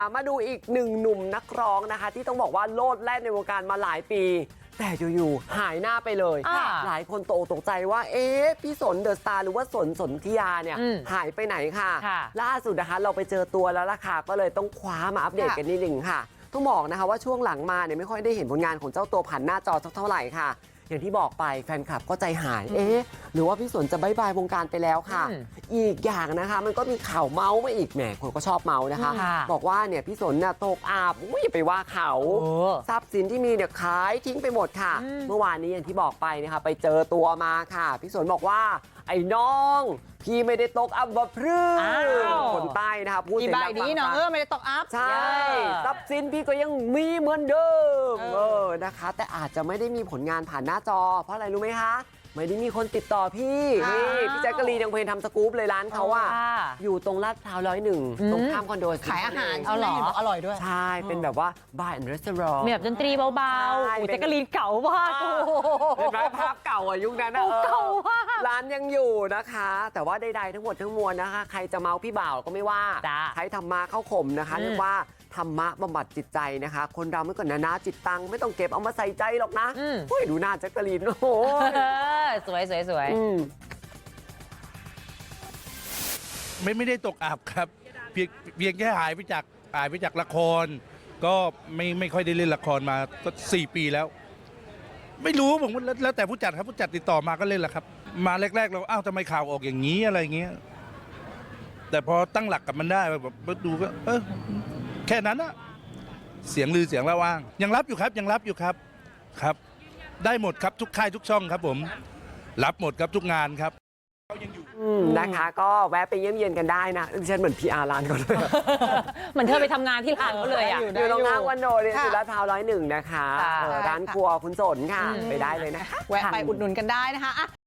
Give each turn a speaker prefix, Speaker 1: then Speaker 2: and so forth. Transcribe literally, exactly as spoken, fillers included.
Speaker 1: มาดูอีกหนึ่งหนุ่มนักร้องนะคะที่ต้องบอกว่าโลดแล่นในวงการมาหลายปีแต่อยู่ๆหายหน้าไปเลยหลายคนตกตกใจว่าเอ๊ะพี่สนเดอะสตาร์หรือว่าสนสนธิยาเนี่ยหายไปไหนค่ะล่าสุดนะคะเราไปเจอตัวแล้วล่ะค่ะก็เลยต้องคว้ามาอัปเดตกันนิดนึงค่ะต้องบอกนะคะว่าช่วงหลังมาเนี่ยไม่ค่อยได้เห็นผลงานของเจ้าตัวผ่านหน้าจอสักเท่าไหร่ค่ะอย่างที่บอกไปแฟนคลับก็ใจหายเอ๊ะหรือว่าพี่สนจะบายบายวงการไปแล้วค่ะอีกอย่างนะคะมันก็มีข่าวเมาส์มาอีกแหมคนก็ชอบเมาส์นะคะบอกว่าเนี่ยพี่สนเนี่ยตกอาบอุ้ยไปว่าเขาทรัพย์สินที่มีเนี่ยขายทิ้งไปหมดค่ะเมื่อวานนี้อย่างที่บอกไปนะคะไปเจอตัวมาค่ะพี่สนบอกว่าไอ้น้องพี่ไม่ได้ตกอับว่าพรื้คนใต้นะคะพูดเสียงดังนี้เนาะ
Speaker 2: เออไม่ได้ตกอัพ
Speaker 1: ใช่ทรัพย์สินพี่ก็ยังมีเหมือนเดิมเออนะคะแต่อาจจะไม่ได้มีผลงานผ่านหน้าจอเพราะอะไรรู้ไหมคะไม่ได้มีคนติดต่อพี่นี่พี่แจ๊กกะลีนยังเพลงทำสกู๊ปเลยร้านเขาอะอยู่ตรงลาดพร้าวร้อยหนึ่งตรงข้ามคอนโด
Speaker 2: ขายอาหารเอาหรออร่อยด้วย
Speaker 1: ใช่เป็นแบบว่าบาร์แอนด์รีสอร์ท
Speaker 3: มีแบบดนตรีเบาๆแจ๊กกะลีนเก่ามาก
Speaker 1: เห็นไหมภาพเก่าอะยุคนั้น
Speaker 3: เก่ามาก
Speaker 1: ร้านยังอยู่นะคะแต่ว่าใดๆทั้งหมดทั้งมวลนะคะใครจะเมาพี่บ่าวก็ไม่ว่าใช้ธรรมะเข้าข่มนะคะเรียกว่าธรรมะบำบัดจิตใจนะคะคนเราไม่ก่อนนะนะจิตตังไม่ต้องเก็บเอามาใส่ใจหรอกนะเฮ้ยดูหน้าแจ๊กกะลีนโอ้โห
Speaker 3: สวยสวยสวย
Speaker 4: ไม่ไม่ได้ตกอับครับเพียงเพียงแค่หายไปจากหายไปจากละครก็ไม่ไม่ค่อยได้เล่นละครมาก็สี่ปีแล้วไม่รู้ผมแล้วแต่ผู้จัดครับผู้จัดติดต่อมาก็เล่นแหละครับมาแรกๆเราอ้าวทำไมข่าวออกอย่างนี้อะไรเงี้ยแต่พอตั้งหลักกับมันได้แบบดูก็เออแค่นั้นอะเสียงลือเสียงละว่างยังรับอยู่ครับยังรับอยู่ครับครับได้หมดครับทุกค่ายทุกช่องครับผมรับหมดครับทุกงานครับ
Speaker 1: นะคะก็แวะไปเยี่ยมเยียนกันได้นะดิฉันเหมือน พี อาร์ ร้านเขาเลย
Speaker 3: เหมือนเธอไปทำงานที่ร้านเขาเลยอ่ะ
Speaker 1: อยู่ตรงข้างวันโดเลยอยู่ลาดพร้าวร้อยหนึ่งนะคะร้านครัวคุณสนค่ะไปได้เลยนะคะ
Speaker 2: แวะไปอุดหนุนกันได้นะคะ